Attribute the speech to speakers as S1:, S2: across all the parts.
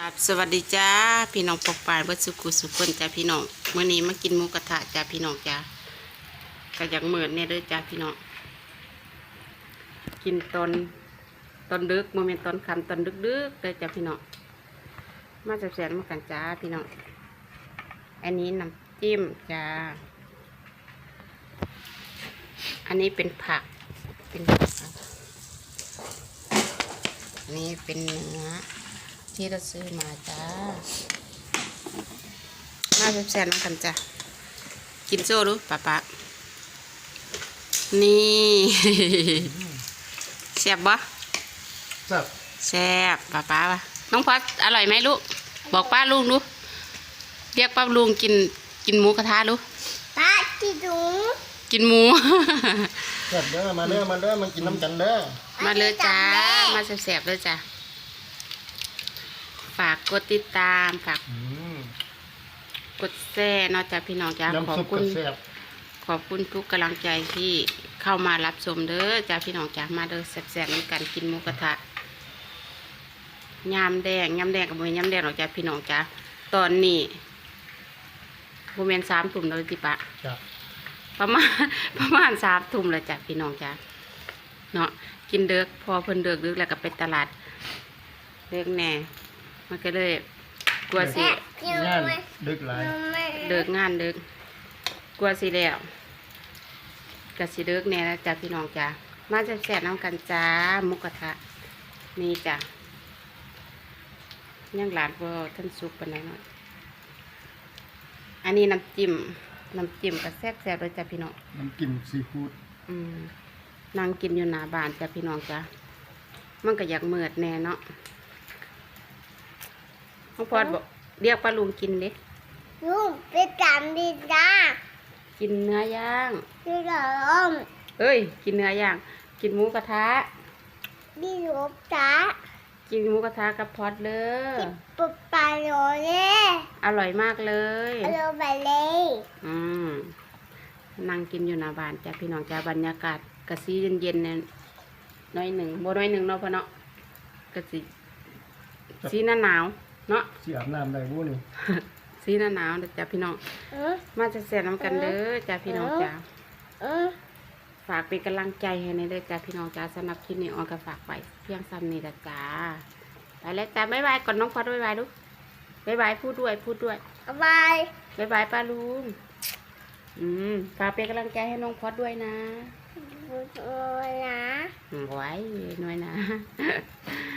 S1: ครับสวัสดีจ้าพี่น้องปกปายวัดสุขุสุขคนจ้าพี่น้องเมื่อนี้มากินหมูกระทะจ้าพี่น้องจ้าก็อยากเหมือนเนี่ยเด้อจ้าพี่น้องกินตอนดึกโมเมนต์ตอนค่ำตอนดึกๆเลยจ้าพี่น้องมาแสบๆมากันจ้าพี่น้องอันนี้น้ำจิ้มจ้าอันนี้เป็นผักอันนี้เป็นเนื้อที่เราซื้อมาจ้ามาแซ่บๆน้ำกันจ้ะกินโซ่ดูป๊านี่ แซ่บบ่แซ่บป๊าวะน้องพอดอร่อยไหมลูกบอกป้าลุงดูเรียกป้าลุงกินหมูกระทะดู
S2: ป้ากินหมู
S1: แซ่บ
S3: เด้อมาเด้อมากินน้ำกันเด้อ
S1: มาเลยจ้ามาแซ่บๆเลยจ้าฝากกดติดตามฝากกดแชร์เนาะจ้าพี่น้องจ้าขอบคุณทุกกำลังใจที่เข้ามารับชมเด้อจ้าพี่น้องจ้ามาเด้อแซ่บๆในการกินหมูกระทะยำแดงกับมือยำแดงหรอกจ้าพี่น้องจ้าตอนนี้โมเมนต์3 ทุ่มเลยจิปะประมาณ3 ทุ่มเลยจ้าพี่น้องจ้าเนาะกินเด็กพอเพิ่นเด็กแล้วก็ไปตลาดเด็กแน่มันก็เลยกลัวสิ
S3: งานดึกหลาย
S1: งานดึกกลัวสิแล้วก็สิดึกแน่แล้วจ้าพี่น้องจ้ามาแซ่บๆน้ำกันจ้าหมูกระทะนี่จ้าย่างหลานก็ท่านซุปปานไหนหน่อยอันนี้น้ำจิ้มก็แซ่บๆเลยจ้าพี่น้อง
S3: น้ำจิ้มซีฟู้ด
S1: นั่งกินอยู่หน้าบ้านจ้าพี่น้องจ้ามันก็อยากเมิดแน่เนาะน้องพอดบอกเรียกป้าลุงกินเด้
S2: ลุงไปจำดีจ้า
S1: กินเนื้อย่าง
S2: พี่หลง
S1: กินเนื้อย่างกินหมูกระทะ
S2: พี่หลงจ้า
S1: กินหมูกระทะกับพอดเลย
S2: ปุ๊บปลาโรเล่
S1: อร่อยมากเลย
S2: อร่อยไปเลย
S1: นั่งกินอยู่หน้าบ้านจ้าพี่น้องจ้าบรรยากาศกะซีเย็นๆเนี่ยน้อยหนึ่งเนาะพ่อเนาะกะซีหน้าหนาวเนาะ
S3: สีอาบน้ำได้บุนี่
S1: ซีหน้าหนาวจ้าพี่น้องมาจะแซ่บน้ำกันเด้อจ้าพี่น้องจ้าฝากเป็นกำลังใจให้ในเด้อจ้าพี่น้องจ้าสำหรับคลิปนี้ออนก็ฝากไปเพียงซ้ำนี่ละจ้าไปแล้วจ้าบ๊ายบายก่อนน้องพอดบ๊ายบายลูกบ๊ายบายพูดด้วย
S2: บ๊ายบาย
S1: ป้าลุงฝากเป็นกำลังใจให้น้องพอดด้วยนะไว้หน่อยนะ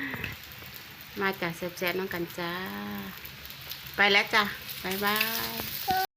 S1: มาจากแซ่บๆน้องกันจ้าไปแล้วจ้าบ๊ายบาย